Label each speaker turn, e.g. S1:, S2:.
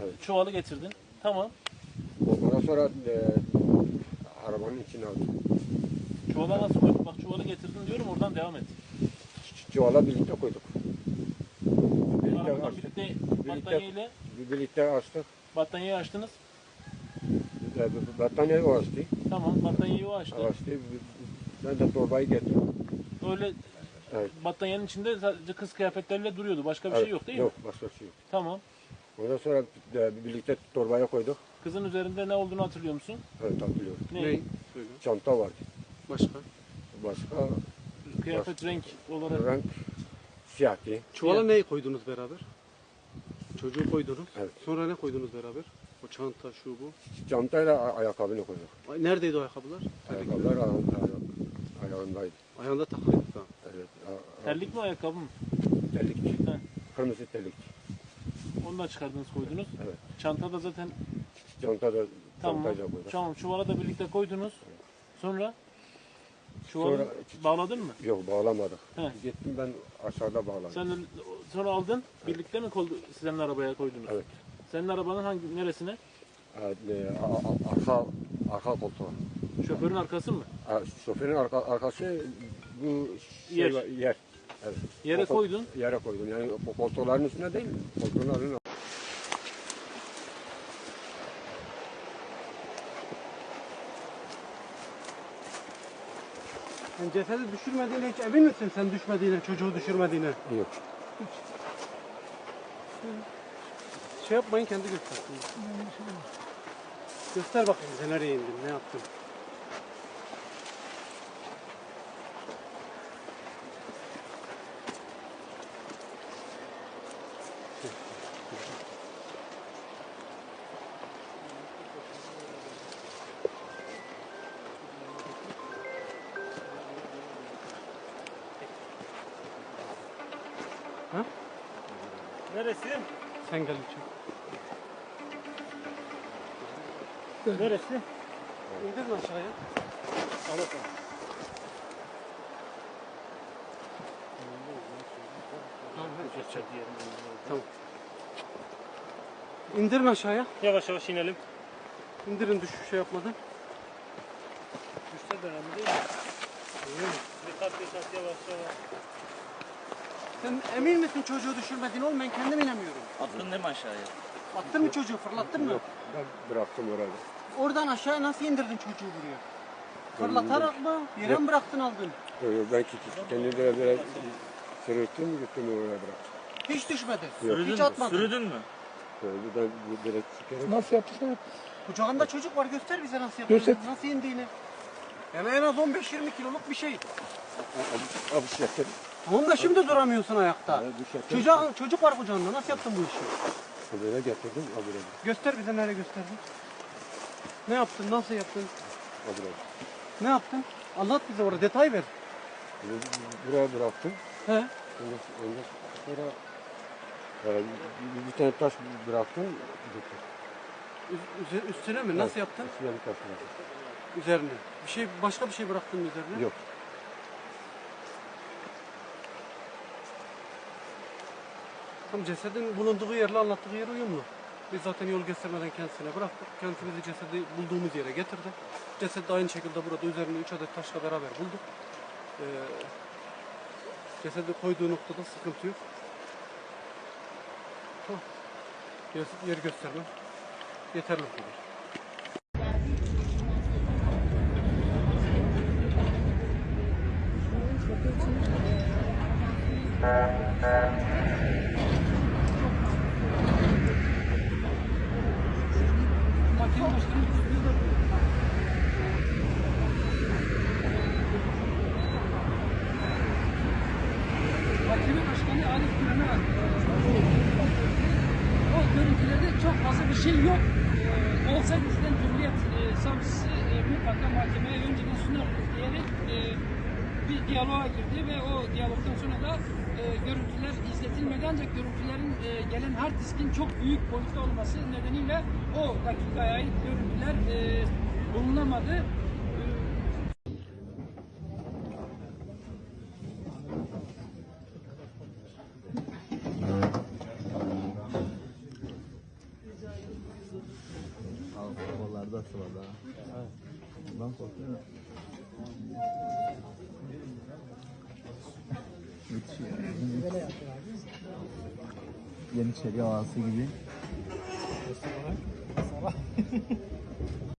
S1: Evet.
S2: Çuvalı getirdin. Tamam.
S1: Ondan sonra arabanın içine aldım.
S2: Çuvala nasıl koydun? Bak çuvalı getirdin diyorum, oradan devam et.
S1: Çuvala birlikte koyduk. Birlikte
S2: Arabadan
S1: açtık.
S2: battaniyeyle
S1: Birlikte açtık.
S2: battaniyeyi açtınız.
S1: Battaniyeyi o açtı.
S2: Tamam, battaniyeyi o açtı.
S1: Ben de torbayı getirdim.
S2: Öyle
S1: Evet.
S2: battaniyenin içinde sadece kız kıyafetleriyle duruyordu. Başka bir şey yok değil mi?
S1: Yok, başka bir şey yok.
S2: Tamam.
S1: Ondan sonra birlikte torbaya koyduk.
S2: Kızın üzerinde ne olduğunu hatırlıyor musun?
S1: Evet, hatırlıyorum.
S2: Ne?
S3: Söyle.
S1: Çanta vardı.
S3: Başka?
S1: Başka
S2: Kıyafet renk olarak.
S1: renk siyahtı.
S3: Çuvala
S2: Yani.
S3: neyi koydunuz beraber? Çocuğu koydunuz.
S1: Evet.
S3: Sonra ne koydunuz beraber? O çanta, şu bu.
S1: Çantayla ayakkabını koyduk.
S3: Neredeydi o ayakkabılar?
S1: Ayakkabılar ayağındaydı.
S3: Ayağında takılıydı da.
S1: Evet.
S2: Terlik mi, ayakkabı mı?
S1: Terlikçi.
S2: He.
S1: Kırmızı terlikçi.
S2: Onu da çıkardınız, koydunuz.
S1: Evet.
S2: Çanta da zaten
S1: Çantayla
S2: tamam.
S1: koyduk.
S2: Tamam, çuvala da birlikte koydunuz. Sonra çuvalı
S1: Sonra-
S2: bağladın mı?
S1: Yok, bağlamadık.
S2: He.
S1: Gittim ben aşağıda bağladım.
S2: Sen de sonra aldın, birlikte mi senin arabaya koydunuz?
S1: Evet.
S2: Senin arabanın neresine?
S1: Arka koltuğa.
S2: Şoförün arkası mı?
S1: Şoförün arkası bu
S2: Yer.
S1: yer. Evet.
S2: Yere koydun.
S1: Yere koydum. Yani koltukların üstüne değil, koltukların
S3: Sen cesedi düşürmediğine hiç emin misin sen düşmediğine, çocuğu düşürmediğine?
S1: yok.
S3: Şey yapmayın, kendi göstersin. Göster bakayım bize nereye indin, ne yaptın? Ha?
S2: Neresi?
S3: Sen gel lütfen.
S2: Neresi?
S3: İndirin aşağıya.
S2: Al bakalım.
S3: Tamam. İndirin aşağıya.
S2: Yavaş yavaş inelim.
S3: İndirin şey yapmadan.
S2: Düşse de önemli değil mi? Dikkat dikkat, yavaş yavaş.
S3: Sen emin misin çocuğu düşürmediğini oğlum? Ben kendim inemiyorum.
S4: Attın değil mi aşağıya?
S3: Attın mı çocuğu, fırlattın mı?
S1: Yok. Ben bıraktım orada.
S3: Oradan aşağıya nasıl indirdin çocuğu buraya? Fırlatarak mı? Yere mi bıraktın aldın?
S1: Ben kendimi böyle sırıttım, gittim oraya bıraktım.
S3: Hiç düşmedi.
S4: Sürüdün
S3: Hiç
S4: mü?
S3: atmadın.
S4: Sürüdün mü?
S1: Ben böyle sikerim.
S5: Nasıl yaptın?
S3: Kucağında çocuk var, göster bize nasıl yaptığını, nasıl indiğini. Yani en az 15-20 kiloluk bir şey.
S1: Abi şeker.
S3: Tamam da şimdi duramıyorsun ayakta. Çocuk var kucağında, nasıl yaptın bu işi?
S1: Böyle getirdim, abi.
S3: Göster bize, nereye gösterdin? Ne yaptın, nasıl yaptın?
S1: Abi.
S3: Ne yaptın? Anlat bize, orada detay ver.
S1: Buraya bıraktım.
S3: He?
S1: Ondan sonra bir tane taş bıraktım.
S3: Üstüne mi? Nasıl yaptın?
S1: Üstüne bir taş bıraktım.
S3: Üzerine. Başka bir şey bıraktın mı üzerine?
S1: Yok.
S3: Tam cesedin bulunduğu yerle anlattığı yer uyumlu. Biz zaten yol göstermeden kendisine bıraktık. Kendisi bizi cesedi bulduğumuz yere getirdi. Cesedi de aynı şekilde burada üzerine 3 adet taşla beraber bulduk. Cesedi koyduğu noktada sıkıntı yok. Tamam. Yer gösterme. Yeterli bu kadar.
S6: Mahkeme Başkanı Arif Güven'e var. O görüntülerde çok fazla bir şey yok. Olsa bizden Cumhuriyet Savcısı mutlaka mahkemeye önceden sunar diyerek bir diyaloğa girdi ve o diyalogdan sonra da görüntüler izletilmedi, ancak görüntülerin gelen hard diskin çok büyük boyutta olması nedeniyle o dakikaya ait görüntüler bulunamadı.
S4: Kollarda sıvada.
S2: Evet.
S4: Ondan korkuyorum. Müthiş ya. Yeniçeri havası gibi.